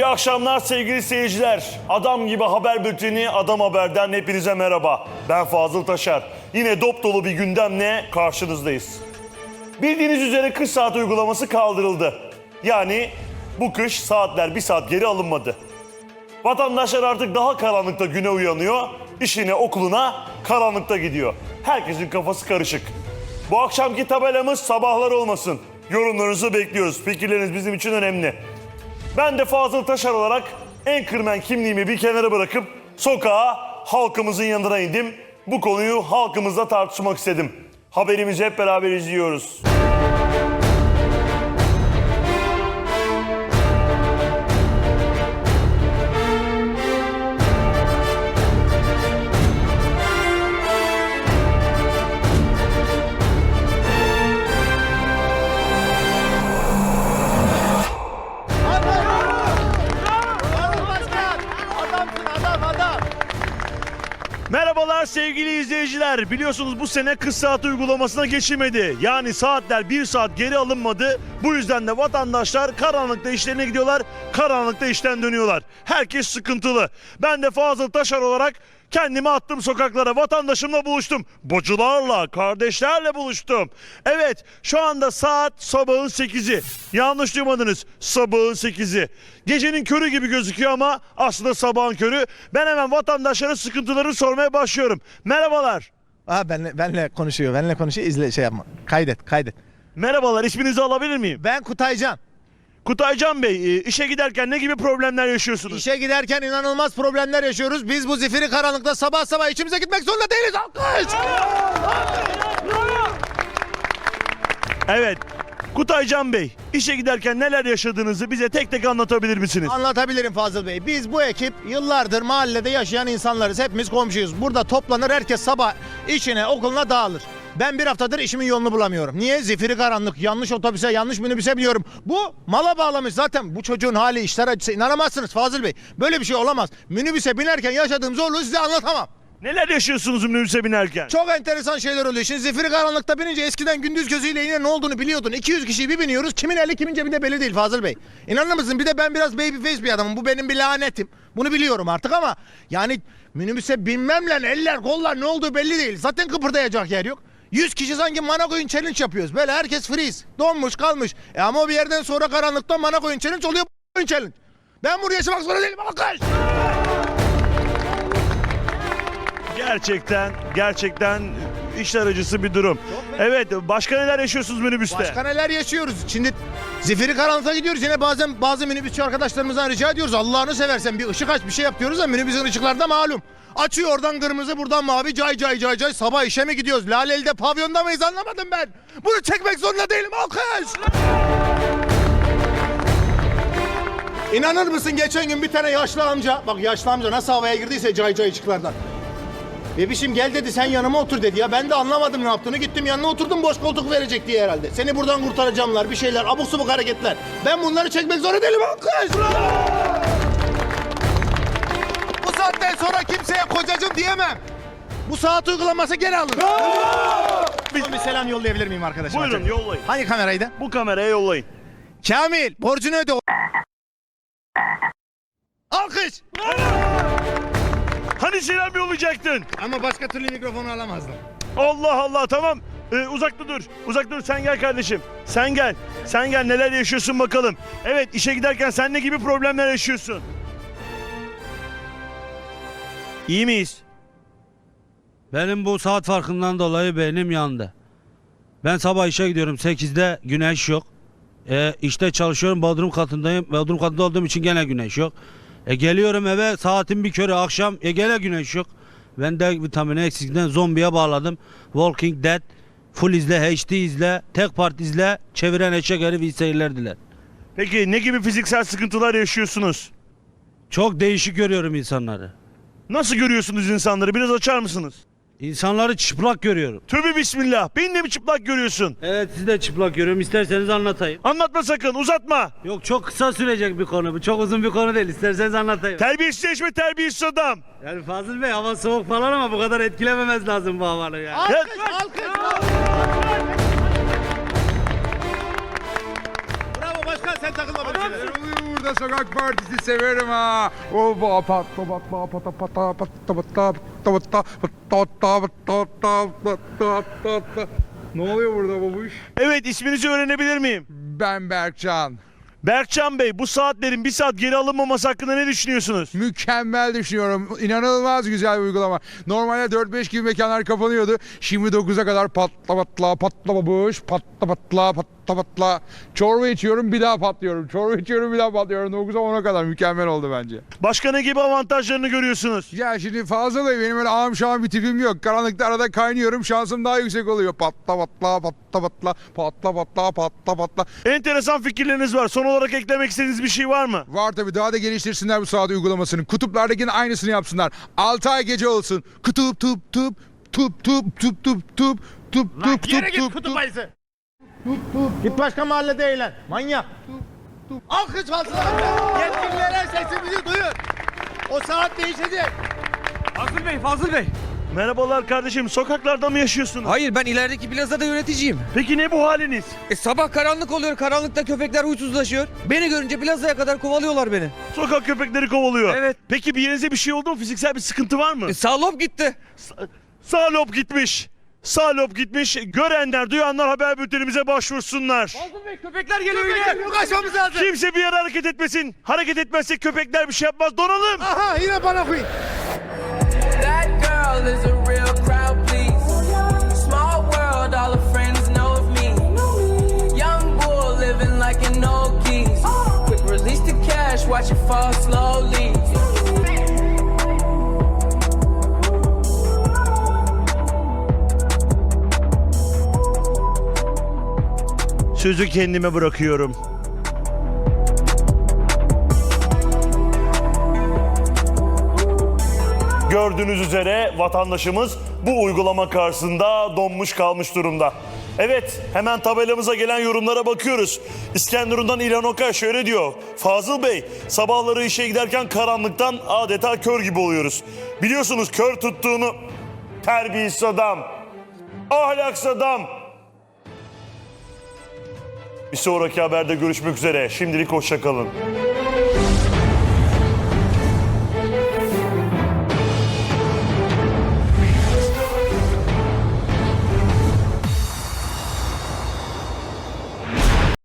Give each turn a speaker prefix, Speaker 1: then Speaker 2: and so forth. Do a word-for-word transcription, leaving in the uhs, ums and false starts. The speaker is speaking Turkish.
Speaker 1: akşamlar sevgili seyirciler. Adam gibi haber bülteni Adam Haber'den hepinize merhaba. Ben Fazıl Taşar. Yine dop dolu bir gündemle karşınızdayız. Bildiğiniz üzere kış saat uygulaması kaldırıldı. Yani bu kış saatler bir saat geri alınmadı. Vatandaşlar artık daha karanlıkta güne uyanıyor, işine okuluna karanlıkta gidiyor. Herkesin kafası karışık. Bu akşamki tabelamız sabahlar olmasın. Yorumlarınızı bekliyoruz. Fikirleriniz bizim için önemli. Ben de Fazıl Taşar olarak Anchorman kimliğimi bir kenara bırakıp sokağa halkımızın yanına indim. Bu konuyu halkımızla tartışmak istedim. Haberimizi hep beraber izliyoruz. Merhabalar sevgili izleyiciler. Biliyorsunuz bu sene kış saat uygulamasına geçilmedi. Yani saatler bir saat geri alınmadı. Bu yüzden de vatandaşlar karanlıkta işlerine gidiyorlar, karanlıkta işten dönüyorlar. Herkes sıkıntılı. Ben de Fazıl Taşar olarak kendimi attım sokaklara, vatandaşımla buluştum. Bacılarla, kardeşlerle buluştum. Evet, şu anda saat sabahın sekizi. Yanlış duymadınız, sabahın sekizi. Gecenin körü gibi gözüküyor ama aslında sabahın körü. Ben hemen vatandaşlara sıkıntılarını sormaya başlıyorum. Merhabalar.
Speaker 2: Aa benle, benle konuşuyor, benle konuşuyor. İzle şey yapma. Kaydet, kaydet.
Speaker 1: Merhabalar, isminizi alabilir miyim?
Speaker 2: Ben Kutaycan.
Speaker 1: Kutaycan Bey, e, işe giderken ne gibi problemler yaşıyorsunuz?
Speaker 2: İşe giderken inanılmaz problemler yaşıyoruz. Biz bu zifiri karanlıkta sabah sabah içimize gitmek zorunda değiliz. Alkış!
Speaker 1: Evet. Kutaycan Bey, işe giderken neler yaşadığınızı bize tek tek anlatabilir misiniz?
Speaker 2: Anlatabilirim Fazıl Bey. Biz bu ekip yıllardır mahallede yaşayan insanlarız. Hepimiz komşuyuz. Burada toplanır, herkes sabah işine, okuluna dağılır. Ben bir haftadır işimin yolunu bulamıyorum. Niye? Zifiri karanlık, yanlış otobüse, yanlış minibüse biniyorum. Bu mala bağlamış zaten. Bu çocuğun hali, işler acısı. İnanamazsınız Fazıl Bey. Böyle bir şey olamaz. Minibüse binerken yaşadığım zorluğu size anlatamam.
Speaker 1: Neler yaşıyorsunuz minibüse binerken?
Speaker 2: Çok enteresan şeyler oluyor. Şimdi zifiri karanlıkta binince eskiden gündüz gözüyle yine ne olduğunu biliyordun. iki yüz kişiyi bir biniyoruz. Kimin eli kimin cebinde belli değil Fazıl Bey. İnanır mısın? Bir de ben biraz babyface bir adamım. Bu benim bir lanetim. Bunu biliyorum artık ama yani minibüse binmemle eller kollar ne olduğu belli değil. Zaten kıpırdayacak yer yok. yüz kişi sanki Manakoyun challenge yapıyoruz. Böyle herkes freeze. Donmuş kalmış. E ama bir yerden sonra karanlıkta Manakoyun challenge oluyor. Challenge. Ben buraya yaşamak zorunda değilim. Alkış!
Speaker 1: Gerçekten, gerçekten işler acısı bir durum. Evet, başka neler yaşıyorsunuz minibüste?
Speaker 2: Başka neler yaşıyoruz? Şimdi zifiri karanlıkta gidiyoruz. Yine bazen bazı minibüsçü arkadaşlarımızdan rica ediyoruz. Allah'ını seversen bir ışık aç, bir şey yap diyoruz da minibüsün ışıkları da malum. Açıyor oradan kırmızı, buradan mavi, cay cay cay cay. Sabah işe mi gidiyoruz? Laleli'de pavyonda mıyız anlamadım ben. Bunu çekmek zorunda değilim. Alkış! İnanır mısın geçen gün bir tane yaşlı amca, bak yaşlı amca nasıl havaya girdiyse cay cay ışıklardan. Bebişim gel dedi, sen yanıma otur dedi ya. Ben de anlamadım ne yaptığını. Gittim yanına oturdum, boş koltuk verecek diye herhalde. Seni buradan kurtaracağımlar, bir şeyler, abuk subuk hareketler. Ben bunları çekmek zorunda değilim. Alkış! Bu saatten sonra kimseye kocacığım diyemem. Bu saat uygulaması geri alın. Bir, bir selam yollayabilir miyim arkadaşım?
Speaker 1: Buyurun, yollayın.
Speaker 2: Hangi kameraydı?
Speaker 1: Bu kameraya yollayın.
Speaker 2: Kamil, borcunu öde. Alkış!
Speaker 1: Hani selam yollayacaktın?
Speaker 2: Ama başka türlü mikrofonu alamazdım.
Speaker 1: Allah Allah, tamam. Ee, uzakta dur. Uzakta dur, sen gel kardeşim. Sen gel. Sen gel, neler yaşıyorsun bakalım. Evet, işe giderken sen ne gibi problemler yaşıyorsun? İyi miyiz?
Speaker 3: Benim bu saat farkından dolayı beynim yandı. Ben sabah işe gidiyorum, sekizde güneş yok. E, işte çalışıyorum, bodrum katındayım. Bodrum katında olduğum için gene güneş yok. E, geliyorum eve, saatin bir körü akşam, e, gene güneş yok. Ben de vitamini eksikliğinden zombiye bağladım. Walking Dead, full izle, H D izle, tek part izle, çeviren eşek herif iyi seyirler diler.
Speaker 1: Peki ne gibi fiziksel sıkıntılar yaşıyorsunuz?
Speaker 3: Çok değişik görüyorum insanları.
Speaker 1: Nasıl görüyorsunuz insanları? Biraz açar mısınız?
Speaker 3: İnsanları çıplak görüyorum.
Speaker 1: Tövbe bismillah. Beni de mi çıplak görüyorsun?
Speaker 3: Evet, sizi de çıplak görüyorum. İsterseniz anlatayım.
Speaker 1: Anlatma sakın, uzatma.
Speaker 3: Yok, çok kısa sürecek bir konu bu. Çok uzun bir konu değil. İsterseniz anlatayım.
Speaker 1: Terbiyesizleşme, terbiyesiz adam.
Speaker 3: Yani Fazıl Bey, hava soğuk falan ama bu kadar etkilememez lazım bu havalı yani.
Speaker 2: Alkış, alkış, alkış. Bravo başkan, sen takılma böyle şeylere.
Speaker 4: burada sokak partisi severim ha. Oba patla patla patla patla patla patla patla patla patla patla patla. Ne oluyor burada babuş?
Speaker 1: Evet, isminizi öğrenebilir miyim?
Speaker 4: Ben Berkcan.
Speaker 1: Berkcan Bey, bu saatlerin bir saat geri alınmaması hakkında ne düşünüyorsunuz?
Speaker 4: Mükemmel düşünüyorum. İnanılmaz güzel bir uygulama. Normalde dört beş gibi mekanlar kapanıyordu. Şimdi dokuza kadar patla patla patla babuş patla patla patla patla. Çorba içiyorum bir daha patlıyorum. Çorba içiyorum bir daha patlıyorum. dokuza ona kadar mükemmel oldu bence.
Speaker 1: Başka ne gibi avantajlarını görüyorsunuz?
Speaker 4: Ya şimdi fazla da benim öyle ağam şahım bir tipim yok. Karanlıkta arada kaynıyorum. Şansım daha yüksek oluyor. Patla patla patla patla patla patla patla patla.
Speaker 1: Enteresan fikirleriniz var. Son olarak eklemek istediğiniz bir şey var mı?
Speaker 4: Var tabii, daha da geliştirsinler bu saat uygulamasını. Kutuplardakinin aynısını yapsınlar. altı ay gece olsun. Kutup tup tup tup tup tup tup tup tup tup tup
Speaker 2: Yere git
Speaker 4: tup
Speaker 2: kutup
Speaker 4: tup.
Speaker 2: ayısı. Git başka mahallede eğlen. Manyak. Alkış falsılar. Yetkililere sesimizi duyun. O saat değişecek.
Speaker 5: Fazıl Bey, Fazıl Bey.
Speaker 1: Merhabalar kardeşim. Sokaklarda mı yaşıyorsunuz?
Speaker 5: Hayır, ben ilerideki plazada yöneticiyim.
Speaker 1: Peki ne bu haliniz?
Speaker 5: E, sabah karanlık oluyor, karanlıkta köpekler huysuzlaşıyor. Beni görünce plazaya kadar kovalıyorlar beni.
Speaker 1: Sokak köpekleri kovalıyor.
Speaker 5: Evet.
Speaker 1: Peki bir yerinize bir şey oldu mu? Fiziksel bir sıkıntı var mı?
Speaker 5: E, sağlop gitti.
Speaker 1: Sağ lob gitmiş. Sağ lob gitmiş. Görenler, duyanlar haber bültenimize başvursunlar.
Speaker 5: Fazıl Bey, köpekler geliyor yine.
Speaker 2: Yok açmamız lazım.
Speaker 1: Kimse bir yere hareket etmesin. Hareket etmezsek köpekler bir şey yapmaz. Donalım.
Speaker 2: Aha yine bana koyun.
Speaker 6: That girl is a real crowd, please. Small world, all her friends know of me. Young bull living like an old geese. Quick release the cash, watch it fall slowly.
Speaker 1: Sözü kendime bırakıyorum. Gördüğünüz üzere vatandaşımız bu uygulama karşısında donmuş kalmış durumda. Evet, hemen tabelamıza gelen yorumlara bakıyoruz. İskenderun'dan İlhan Okay şöyle diyor. Fazıl Bey, sabahları işe giderken karanlıktan adeta kör gibi oluyoruz. Biliyorsunuz kör tuttuğunu, terbiyesiz adam, ahlaksız adam. Bir sonraki haberde görüşmek üzere. Şimdilik hoşça kalın.